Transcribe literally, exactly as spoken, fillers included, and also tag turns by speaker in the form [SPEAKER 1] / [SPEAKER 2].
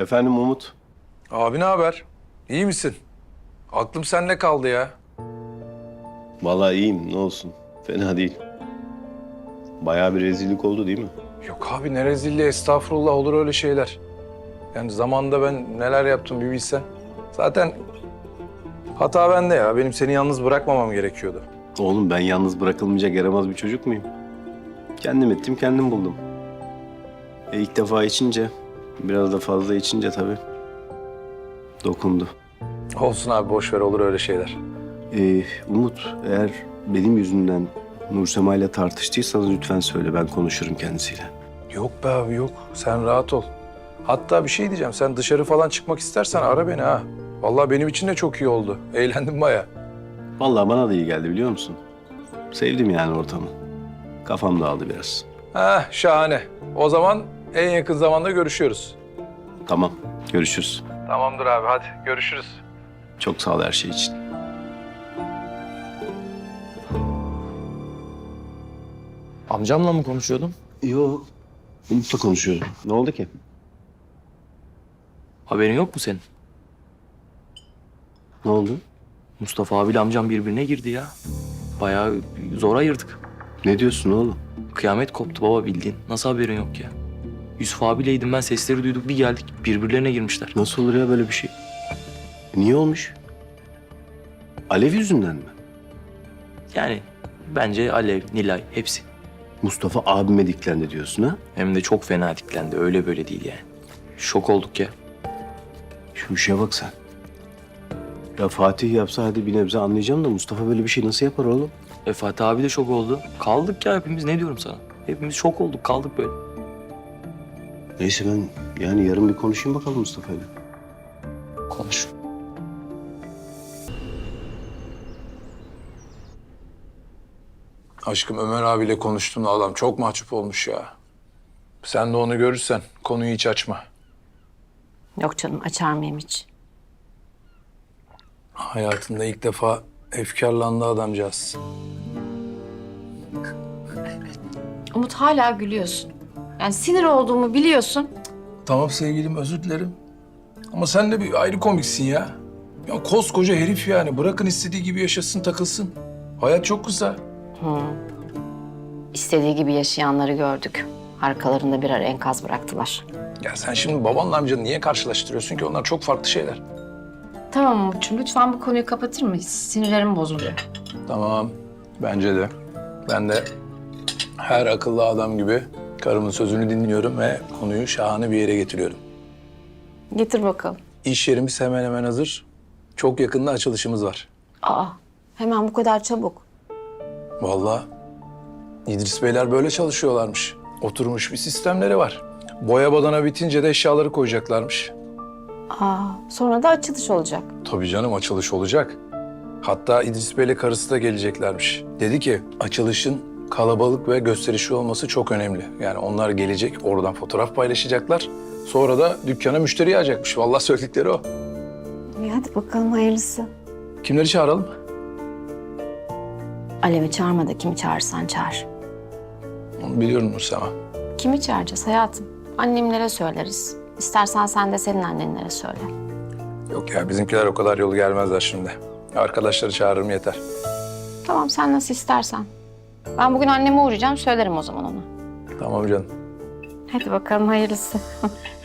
[SPEAKER 1] Efendim Umut.
[SPEAKER 2] Abi ne haber? İyi misin? Aklım sende kaldı ya.
[SPEAKER 1] Vallahi iyiyim, ne olsun. Fena değil. Bayağı bir rezillik oldu değil mi?
[SPEAKER 2] Yok abi ne rezilliği, estağfurullah, olur öyle şeyler. Yani zamanında ben neler yaptım bir bilsen. Zaten hata bende ya. Benim seni yalnız bırakmamam gerekiyordu.
[SPEAKER 1] Oğlum ben yalnız bırakılmayacak yaramaz bir çocuk muyum? Kendim ettim, kendim buldum. E ilk defa içince, biraz da fazla içince tabii dokundu.
[SPEAKER 2] Olsun abi, boş ver, olur öyle şeyler.
[SPEAKER 1] Ee, Umut, eğer benim yüzümden Nursema ile tartıştıysanız lütfen söyle, ben konuşurum kendisiyle.
[SPEAKER 2] Yok be abi yok. Sen rahat ol. Hatta bir şey diyeceğim. Sen dışarı falan çıkmak istersen ara beni ha. Vallahi benim için de çok iyi oldu. Eğlendim baya.
[SPEAKER 1] Vallahi bana da iyi geldi biliyor musun? Sevdim yani ortamı. Kafam dağıldı biraz.
[SPEAKER 2] Heh, şahane. O zaman en yakın zamanda görüşüyoruz.
[SPEAKER 1] Tamam, görüşürüz.
[SPEAKER 2] Tamamdır abi, hadi görüşürüz.
[SPEAKER 1] Çok sağ ol her şey için.
[SPEAKER 3] Amcamla mı konuşuyordun?
[SPEAKER 1] Yok. Umut'la konuşuyordum. Ne oldu ki?
[SPEAKER 3] Haberin yok mu senin?
[SPEAKER 1] Ne oldu?
[SPEAKER 3] Mustafa abiyle amcam birbirine girdi ya. Bayağı zor ayırdık.
[SPEAKER 1] Ne diyorsun oğlum?
[SPEAKER 3] Kıyamet koptu baba, bildiğin. Nasıl haberin yok ya? Yusuf abileydim ben, sesleri duyduk, bir geldik birbirlerine girmişler.
[SPEAKER 1] Nasıl olur ya böyle bir şey? Niye olmuş? Alev yüzünden mi?
[SPEAKER 3] Yani bence Alev, Nilay hepsi.
[SPEAKER 1] Mustafa abime diklendi diyorsun ha?
[SPEAKER 3] Hem de çok fena diklendi, öyle böyle değil yani. Şok olduk ya.
[SPEAKER 1] Şu işe bak sen. Ya Fatih yapsa hadi bir nebze anlayacağım da Mustafa böyle bir şey nasıl yapar oğlum?
[SPEAKER 3] E Fatih abi de şok oldu. Kaldık ya hepimiz, ne diyorum sana? Hepimiz şok olduk, kaldık böyle.
[SPEAKER 1] Neyse ben yani yarın bir konuşayım bakalım Mustafa'yla.
[SPEAKER 3] Konuş.
[SPEAKER 2] Aşkım, Ömer abiyle konuştuğunda adam çok mahcup olmuş ya. Sen de onu görürsen konuyu hiç açma.
[SPEAKER 4] Yok canım, açar mıyım hiç?
[SPEAKER 2] Hayatında ilk defa efkarlandı adamcağız.
[SPEAKER 4] Umut, hala gülüyorsun. Yani sinir olduğumu biliyorsun.
[SPEAKER 2] Tamam sevgilim, özür dilerim. Ama sen de bir ayrı komiksin ya. Ya koskoca herif yani. Bırakın istediği gibi yaşasın, takılsın. Hayat çok kısa.
[SPEAKER 4] İstediği gibi yaşayanları gördük. Arkalarında birer enkaz bıraktılar.
[SPEAKER 2] Ya sen şimdi babanla amcanı niye karşılaştırıyorsun ki? Onlar çok farklı şeyler.
[SPEAKER 4] Tamam Umut'cum, lütfen bu konuyu kapatır mıyız? Sinirlerim bozuluyor.
[SPEAKER 2] Tamam, bence de. Ben de her akıllı adam gibi karımın sözünü dinliyorum ve konuyu şahane bir yere getiriyorum.
[SPEAKER 4] Getir bakalım.
[SPEAKER 2] İş yerimiz hemen hemen hazır. Çok yakında açılışımız var.
[SPEAKER 4] Aa, hemen bu kadar çabuk.
[SPEAKER 2] Vallahi İdris Beyler böyle çalışıyorlarmış. Oturmuş bir sistemleri var. Boya badana bitince de eşyaları koyacaklarmış.
[SPEAKER 4] Aa, sonra da açılış olacak.
[SPEAKER 2] Tabii canım, açılış olacak. Hatta İdris Bey'le karısı da geleceklermiş. Dedi ki açılışın kalabalık ve gösterişli olması çok önemli. Yani onlar gelecek, oradan fotoğraf paylaşacaklar. Sonra da dükkana müşteri yağacakmış. Vallahi söyledikleri o.
[SPEAKER 4] İyi, hadi bakalım, hayırlısı.
[SPEAKER 2] Kimleri çağıralım?
[SPEAKER 4] Alev'i çağırma da kimi çağırırsan çağır.
[SPEAKER 2] Onu biliyorum Nursema.
[SPEAKER 4] Kimi çağıracağız hayatım? Annemlere söyleriz. İstersen sen de senin annenlere söyle.
[SPEAKER 2] Yok ya, bizimkiler o kadar yolu gelmezler şimdi. Arkadaşları çağırırım yeter.
[SPEAKER 4] Tamam, sen nasıl istersen. Ben bugün anneme uğrayacağım, söylerim o zaman ona.
[SPEAKER 2] Tamam canım.
[SPEAKER 4] Hadi bakalım, hayırlısı.